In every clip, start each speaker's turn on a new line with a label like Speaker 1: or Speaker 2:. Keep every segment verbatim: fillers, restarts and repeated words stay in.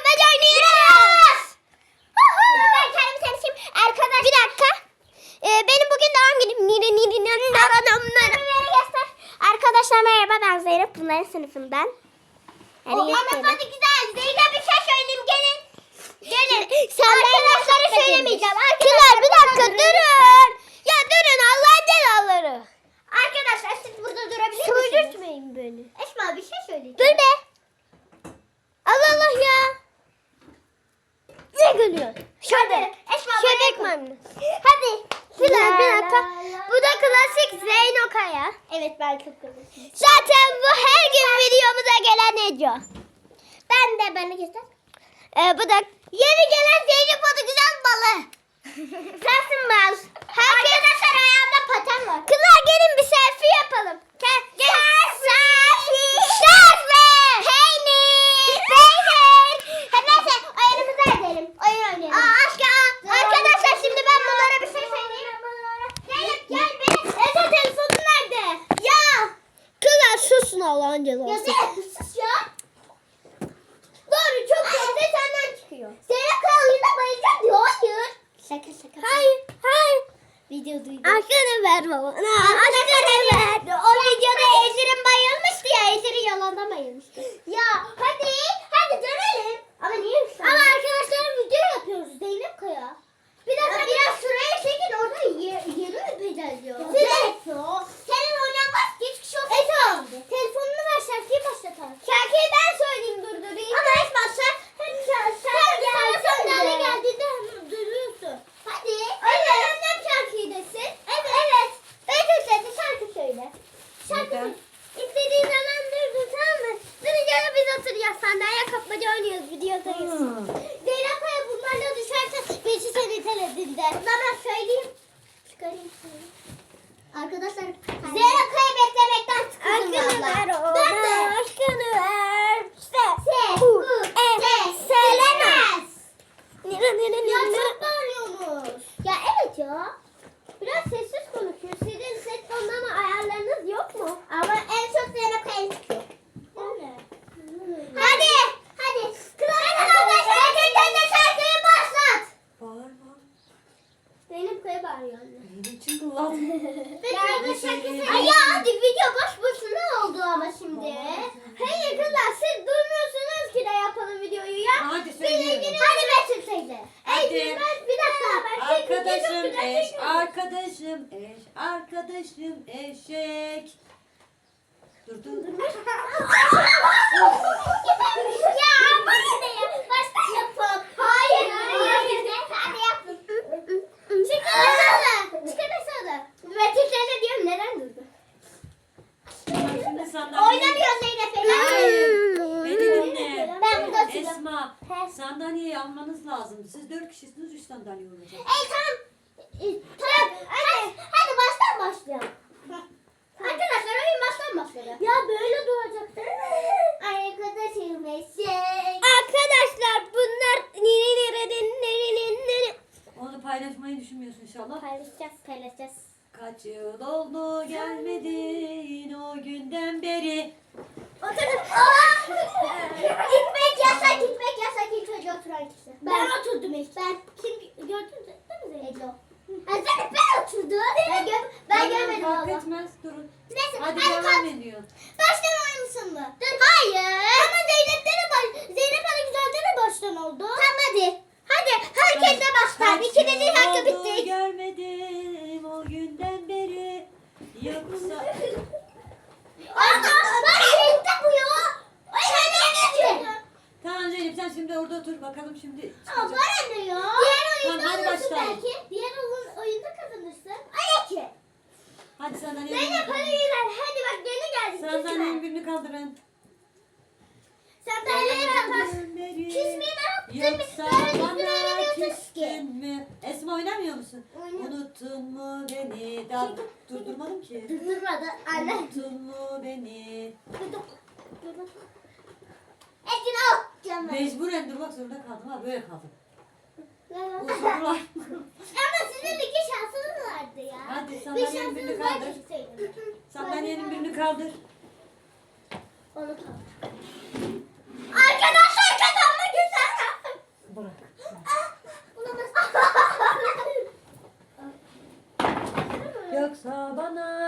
Speaker 1: kapmaca oynuyoruz. Ben kendimi tanışayım. Arkadaş bir dakika. Ee, benim bugün doğum günüm. Nire nire nire nire göster. Arkadaşlar merhaba, ben Zeynep. Bunların sınıfından. Yani
Speaker 2: O ama hadi güzel. Zeynep bir şey söyleyeyim, gelin.
Speaker 1: Gelin. Arkadaşlara söylemeyeceğim. Kızlar bir dakika durun. Ya durun Allah'ın celaları.
Speaker 2: Arkadaşlar siz burada durabilir misiniz?
Speaker 1: Söylürtmeyin beni.
Speaker 2: Esma bir şey söyleyeceğim.
Speaker 1: Dur be. Allah Allah ya. Ne gülüyor?
Speaker 2: Hadi. Esma
Speaker 1: Şebek maymunu. Hadi. Kızlar bir dakika. Bu da klasik Zeyno Kaya.
Speaker 2: Evet ben çok kızım.
Speaker 1: Zaten bu her gün videomuza gelen Ece.
Speaker 2: Ben de beni göster.
Speaker 1: Ee, bu da yeni gelen Zeynep adı güzel balı. Sensin bal.
Speaker 2: Arkadaşlar ayağımda paten var.
Speaker 1: Kızlar gelin bir selfie yapalım. Gel. Gel. Selfie. Selfie. Peynir. Peynir.
Speaker 2: Neyse oyunumuza edelim. Oyun oynayalım.
Speaker 1: Aa aşkım. Arkadaşlar şimdi ben bunlara bir şey söyleyeyim.
Speaker 2: Zeynep gel benim. Esa telefonun nerede?
Speaker 1: Ya. Kızlar susun Allah'ın
Speaker 2: Ya
Speaker 1: cezası.
Speaker 2: Zeynep sus ya. Doğru çok sesle senden çıkıyor. Zeynep kral oyunda bayılacak diyor. Hayır. Şaka şaka.
Speaker 1: Hayır. Hayır.
Speaker 2: Video duydum.
Speaker 1: Aşkını ver baba. Aşkını ver.
Speaker 2: O videoda Ejder'in bayılmıştı ya. Ejder'in yalanda bayılmıştı. Ya hadi. Hadi dönelim. Ama niye şu an? Ama arkadaşlar video yapıyoruz. Zeynep Kaya. Bir dakika biraz şuraya çekin. Orada ye, yeri öpeceğiz diyor. Zeynep. Senin oynanmaz ki hiç kişi olsun. Eto. Telefonunu ver şarkıyı başlatalım. Şarkıyı ben söyleyeyim durdurayım. Ama hiç başla. Hep şarkı. Sen sandalye geldiğinde hemen duruyorsun. Hadi. Evet. Annem şarkıyı desin. Evet. Evet. Ben söyledi şarkı söyle. Şarkı söyle. İstediğin zaman durdur, tamam mı? Durunca da biz oturacağız sandalye kapmaca oynuyoruz, videodayız.
Speaker 1: Hmm.
Speaker 2: Zeynep Kaya bunlarla düşerse beşi seni teledinde. Ben ben söyleyeyim. Çıkarayım şunu. Arkadaşlar Zeynep Kaya beklemekten sıkıldım valla. Ben de.
Speaker 1: Aşkını ver.
Speaker 2: Se. Se. U. E. Söylemez. Ya
Speaker 1: Se.
Speaker 2: çok bağırıyorsunuz. Ya evet ya. Biraz sessiz konuşuyor. Sizin ses tonlama ayarlarınız yok mu? Ama en çok Zeynep Kaya çıkıyor. Öyle. Hadi. Hadi. Kılavuz arkadaşlar. Sen de şarkıyı başlat.
Speaker 3: Bağırma.
Speaker 2: Zeynep Kaya bağırıyor anne.
Speaker 3: Benim için kullan.
Speaker 2: Ben de şarkısı... Ay ya hadi video boş boşuna oldu ama şimdi. Hayır kızlar siz durmuyorsunuz ki de yapalım videoyu ya.
Speaker 3: Hadi söylüyorum.
Speaker 2: Hadi Betül teyze.
Speaker 3: Hadi.
Speaker 2: Ey ben bir dakika. Ben
Speaker 3: Arkadaşım
Speaker 2: çok güzel
Speaker 3: eş,
Speaker 2: çekiyorum.
Speaker 3: arkadaşım eş, arkadaşım eşek. Dur dur.
Speaker 2: Ya bana ne ya? Baştan yapalım. Hayır. Hayır. Hadi yapın. Çıkarasana. Çıkarasana. Betül teyze diyorum neden durdu?
Speaker 3: Şimdi sandalye.
Speaker 2: Oynamıyor Zeynep
Speaker 3: Hayır.
Speaker 2: Ela.
Speaker 3: Beni dinle.
Speaker 2: Ben burada oturuyorum.
Speaker 3: Esma, sandalyeyi almanız lazım. Siz dört kişisiniz, üç sandalye olacak.
Speaker 2: Ey tamam. E, tamam. Hadi, hadi baştan başlayalım. Arkadaşlar oyun baştan başladı. Ya böyle duracaktır. Arkadaşım eşek.
Speaker 1: Arkadaşlar bunlar niri niri niri niri niri.
Speaker 3: Onu paylaşmayı düşünmüyorsun inşallah.
Speaker 2: Paylaşacağız, paylaşacağız.
Speaker 3: Kaç yıl oldu gelmedin o günden beri.
Speaker 2: Oturun. Gitmek yasak, gitmek yasak ilk önce oturan kişi. Ben, oturdum ilk. Ben kim gördün değil mi Zeynep? Ha, Zeynep ben oturdum. Ben, gö ben
Speaker 3: Tamam,
Speaker 2: görmedim
Speaker 3: fark
Speaker 2: valla.
Speaker 3: etmez durun.
Speaker 2: Neyse
Speaker 3: Hadi
Speaker 2: hadi
Speaker 3: devam
Speaker 2: kalk.
Speaker 3: ediyor.
Speaker 2: Baştan oynasın mı? Dur. Hayır. Ama Zeynep'te de baş... Zeynep Hanım güzelde de baştan oldu. Tamam hadi. Hadi herkes de baştan.
Speaker 3: Kaç
Speaker 2: İkinizin
Speaker 3: yıl
Speaker 2: hakkı
Speaker 3: oldu
Speaker 2: bitti.
Speaker 3: görmedim o günden beri. Yoksa...
Speaker 2: Ama bak renkte bu ya. Ay sen ne geçiyorsun?
Speaker 3: Tamam Zeynep sen şimdi orada otur bakalım şimdi.
Speaker 2: Ama
Speaker 3: çıkacak.
Speaker 2: bana ne ya? Diğer oyunda
Speaker 3: Tamam, hadi
Speaker 2: alırsın
Speaker 3: başlayalım.
Speaker 2: belki. Diğer oyun, oyunda kazanırsın. Ay ki.
Speaker 3: Hadi sandalyeyi
Speaker 2: Zeynep hadi yürü. Hadi bak yeni geldik.
Speaker 3: Sandalyenin birini kaldırın.
Speaker 2: Sandalyeyi kapat. Küsmeyi ne yaptın?
Speaker 3: Yoksa
Speaker 2: Böyle
Speaker 3: bana
Speaker 2: üstüne
Speaker 3: küstün
Speaker 2: ki.
Speaker 3: mü? Esma oynamıyor musun?
Speaker 2: Oynuyorum.
Speaker 3: Unuttun mu beni? Daha durdurmadım ki.
Speaker 2: Durdurmadı anne.
Speaker 3: Unuttun mu beni?
Speaker 2: Durdum. Durdum. Ekin al. Canım.
Speaker 3: Mecburen durmak zorunda kaldım ha böyle kaldım.
Speaker 2: Ama
Speaker 3: Uzunlar.
Speaker 2: sizin iki şansınız vardı ya.
Speaker 3: Hadi
Speaker 2: Bir
Speaker 3: sandalyenin birini
Speaker 2: şansınız var
Speaker 3: kaldır.
Speaker 2: çıksaydı.
Speaker 3: Sandalyenin birini kaldır.
Speaker 2: Onu kaldır. Arkadaşlar kazanma güzel.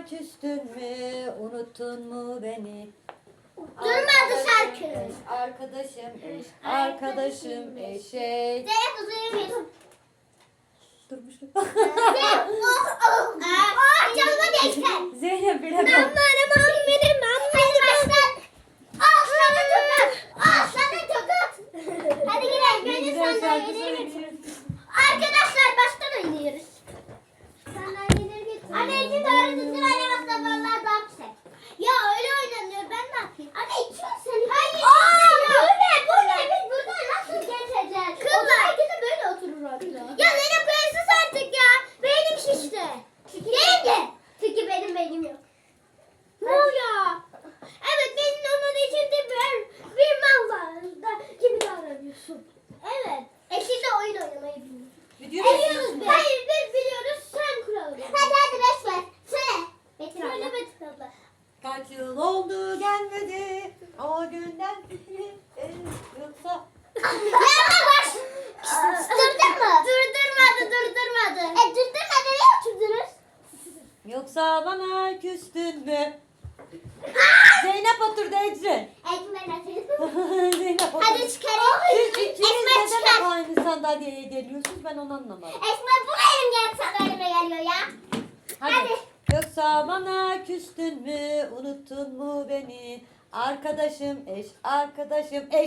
Speaker 3: bana küstün mü? Unuttun mu beni?
Speaker 2: Durmadı şarkı.
Speaker 3: Eş, arkadaşım eş, arkadaşım eşek.
Speaker 2: Zeynep uzayamıyorsun.
Speaker 3: Durmuşum.
Speaker 2: Zeynep oh oh. Oh canıma değsin.
Speaker 3: Zeynep bile
Speaker 2: Ben
Speaker 3: bak.
Speaker 2: benim benim Hadi başla. Ah sana tokat. Ah sana tokat. Hadi gidelim.
Speaker 3: Ne
Speaker 2: Beni
Speaker 3: güzel şarkı
Speaker 2: sandalyeleri getir.
Speaker 3: söylüyorsun.
Speaker 2: Arkadaşlar baştan oynuyoruz. Sandalyeleri getir. Anneciğim doğru düzgün oynamakta vallahi daha güzel. Ya öyle oynanıyor ben ne yapayım? Anne içiyorsun sen. Hayır. Aa, bu ne bu ne? Biz burada nasıl geçeceğiz? Kızlar. Herkes de böyle oturur orada. Ya Zeynep koyarsız artık ya. Beynim şişti. Benim de. Çünkü benim beynim yok. Ne oluyor? Evet benim olmadığı için de bir, bir mal var. Da, gibi davranıyorsun. Evet. Eşiyle oyun oynamayı bilmiyorum.
Speaker 3: Video
Speaker 2: Biliyoruz
Speaker 3: çekiyorsun.
Speaker 2: biz. Hayır biz biliyoruz sen kuralı. Hadi hadi beş ver. Söyle. Betül abla. Söyle Betül abla.
Speaker 3: Kaç yıl oldu gelmedi o günden beri yoksa
Speaker 2: Yavaş. Durdurma. Durdurmadı durdurmadı. E durdurmadı ne oturdunuz?
Speaker 3: yoksa bana küstün mü? Zeynep oturdu Ecrin.
Speaker 2: Ekmen atayım.
Speaker 3: Zeynep oturdu.
Speaker 2: Hadi çıkarayım.
Speaker 3: Siz ikiniz
Speaker 2: Esmer
Speaker 3: neden
Speaker 2: çıkar.
Speaker 3: hep aynı sandalyeye geliyorsunuz ben onu anlamadım.
Speaker 2: Esmer bu benim gel sandalyeme geliyor ya.
Speaker 3: Hadi.
Speaker 2: Hadi.
Speaker 3: Yoksa bana küstün mü, unuttun mu beni? Arkadaşım eş, arkadaşım eş.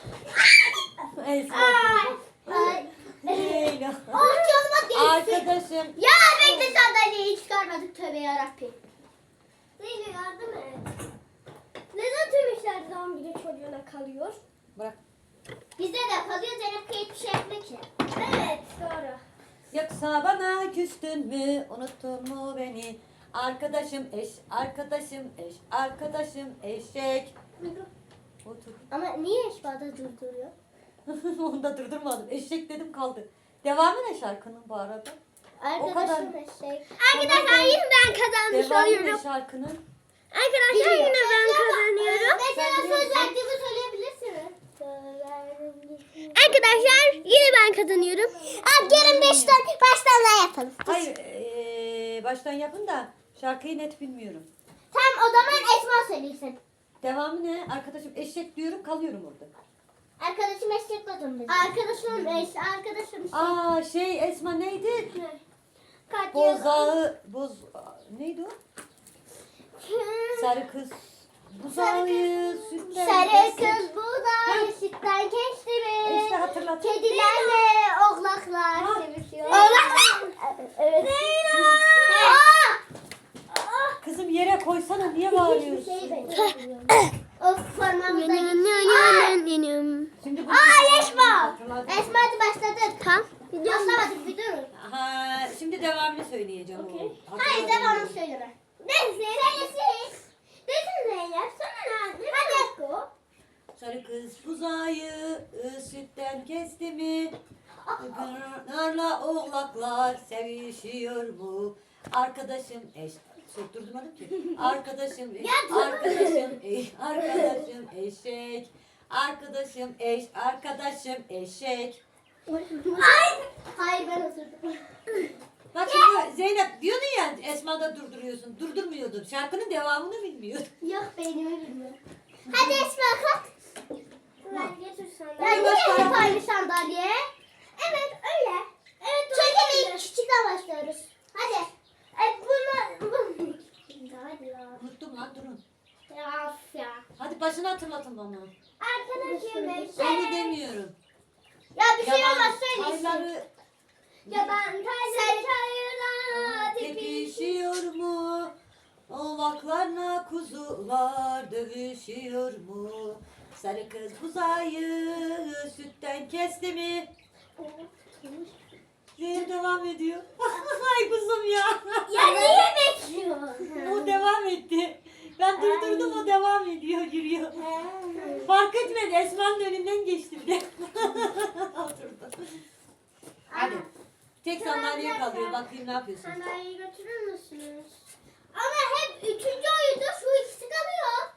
Speaker 3: Esma
Speaker 2: Ay.
Speaker 3: oturdu.
Speaker 2: Ay.
Speaker 3: Leyla.
Speaker 2: Oh canıma değsin.
Speaker 3: Arkadaşım.
Speaker 2: Ya bekle sandalyeyi çıkarmadık tövbe yarabbim. Zeynep yardım et. Neden tüm işler zaman bir de çocuğuna kalıyor?
Speaker 3: Bırak.
Speaker 2: Bizde de kalıyor Zeynep kayıp bir şey yapmak için. Evet doğru.
Speaker 3: Yoksa bana küstün mü, unuttun mu beni? Arkadaşım eş, arkadaşım eş, arkadaşım eşek. Otur.
Speaker 2: Ama niye eşbada durduruyor?
Speaker 3: Onu da durdurmadım. Eşek dedim kaldı. Devamı ne şarkının bu arada? O kadar.
Speaker 2: Arkadaşım eşek.
Speaker 3: Arkadaşlar,
Speaker 2: Arkadaşlar yine ben kazanmış
Speaker 3: Devamı
Speaker 2: oluyorum.
Speaker 3: ne şarkının?
Speaker 2: Arkadaşlar yine ben kazanıyorum.
Speaker 3: Sen
Speaker 2: Mesela
Speaker 3: biliyor
Speaker 2: söz
Speaker 3: musun?
Speaker 2: verdiğimi söyleyebilirsiniz.
Speaker 1: Arkadaşlar yine ben kazanıyorum. Abi gelin beşten baştan daha yapalım.
Speaker 3: Hayır, ee, baştan yapın da şarkıyı net bilmiyorum.
Speaker 2: Tamam o zaman Esma söylesin.
Speaker 3: Devamı ne? Arkadaşım eşek diyorum kalıyorum orada.
Speaker 2: Arkadaşım eşek oldum biz. Arkadaşım eş, arkadaşım eşek.
Speaker 3: Aa şey Esma neydi?
Speaker 2: Kaç
Speaker 3: Bozağı, boz, neydi o? Sarı kız. Buzağı sütten.
Speaker 2: Sarı
Speaker 3: kesip-
Speaker 2: kız buğday sütten geçti mi?
Speaker 3: İşte hatırlat.
Speaker 2: Kedilerle oğlaklar
Speaker 3: Ha.
Speaker 2: sevişiyor.
Speaker 1: Oğlaklar?
Speaker 2: Evet.
Speaker 3: Kızım yere koysana niye bağırıyorsun?
Speaker 2: Of parmağımıza
Speaker 3: Şimdi bu
Speaker 2: Aa Esma.
Speaker 3: Hatırlat.
Speaker 2: Esma hadi başladık.
Speaker 1: Tamam.
Speaker 2: Başlamadık bir durun.
Speaker 3: Ha, şimdi devamını söyleyeceğim.
Speaker 2: Okay.
Speaker 3: o.
Speaker 2: Hayır
Speaker 3: Hatırladım.
Speaker 2: devamını söyleme. Ben söylesin. Desin Zeynep sana ne? Hadi Esko.
Speaker 3: Sarı kız buzağı sütten kesti mi? Narla oğlaklar sevişiyor mu? Arkadaşım eş. Çok durdurmadım ki. Arkadaşım eş. Arkadaşım eş. Arkadaşım eşek. Arkadaşım eş. Arkadaşım eşek.
Speaker 2: Ay. Hayır ben oturdum.
Speaker 3: Bak şimdi Zeynep diyordun ya Esma'da durduruyorsun. Durdurmuyordun. Şarkının devamını bilmiyordun.
Speaker 2: Yok beynimi bilmiyorum. Hadi Esma kalk. Ben getir sandalye. Ya
Speaker 3: Hadi
Speaker 2: niye
Speaker 3: başla.
Speaker 2: hep aynı sandalye? Evet öyle. Evet Çünkü biz küçükten başlıyoruz. Hadi. E, bunu... bunu- Hadi ya.
Speaker 3: Unuttum lan durun.
Speaker 2: Ya of ya.
Speaker 3: Hadi başını hatırlatın bana.
Speaker 2: Arkadaşım eşek.
Speaker 3: Seni demiyorum.
Speaker 2: Ya bir şey
Speaker 3: Yalan
Speaker 2: olmaz söylesin.
Speaker 3: sayıları
Speaker 2: Ya ben tayları çayırda
Speaker 3: tepişiyor mu? Oğlaklarla kuzular dövüşüyor mu? Sarı kız buzağı sütten kesti mi? Zeynep devam ediyor. Ay kuzum ya.
Speaker 2: Ya niye bekliyorsun?
Speaker 3: O devam etti. Ben durdurdum o devam ediyor yürüyor. Fark etmedi Esma'nın önünden geçti bir de. Oturdu. Hadi. Tek sandalye kalıyor. Bakayım ne yapıyorsun?
Speaker 2: Sandalyeyi götürür müsünüz? Ama hep üçüncü oyunda şu ikisi kalıyor.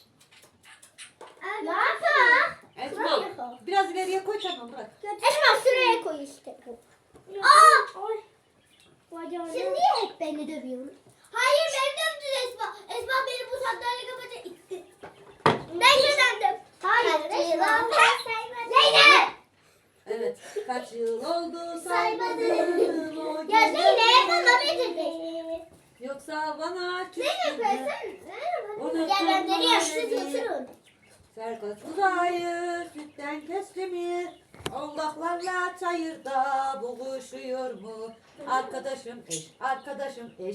Speaker 2: Ne yapalım?
Speaker 3: Esma biraz ileriye koy tamam bırak.
Speaker 2: Esma şuraya koy işte. Aa! Siz niye hep beni dövüyorsunuz? Hayır beni dövdün Esma. Esma beni bu sandalye kapatacak itti. Ben kazandım. Hayır Esma. Zeynep.
Speaker 3: Evet. Kaç yıl oldu
Speaker 2: Saymadım.
Speaker 3: saymadım o
Speaker 2: Ya
Speaker 3: geceleri.
Speaker 2: Zeynep bana bitirdi.
Speaker 3: Yoksa bana
Speaker 2: Zeynep
Speaker 3: küstün
Speaker 2: ben
Speaker 3: mü?
Speaker 2: sen.
Speaker 3: Unuttun
Speaker 2: Ya ben
Speaker 3: mu
Speaker 2: nereye yaşlı
Speaker 3: beni?
Speaker 2: diyorsun?
Speaker 3: Serkat uzayır, sütten kesti mi? Allah'larla çayırda buluşuyor mu? Arkadaşım eş, arkadaşım eş.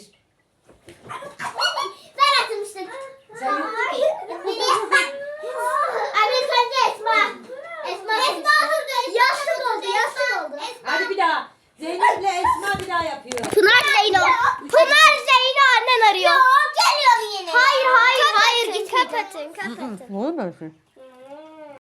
Speaker 2: Ben atmıştım.
Speaker 3: Sen yok.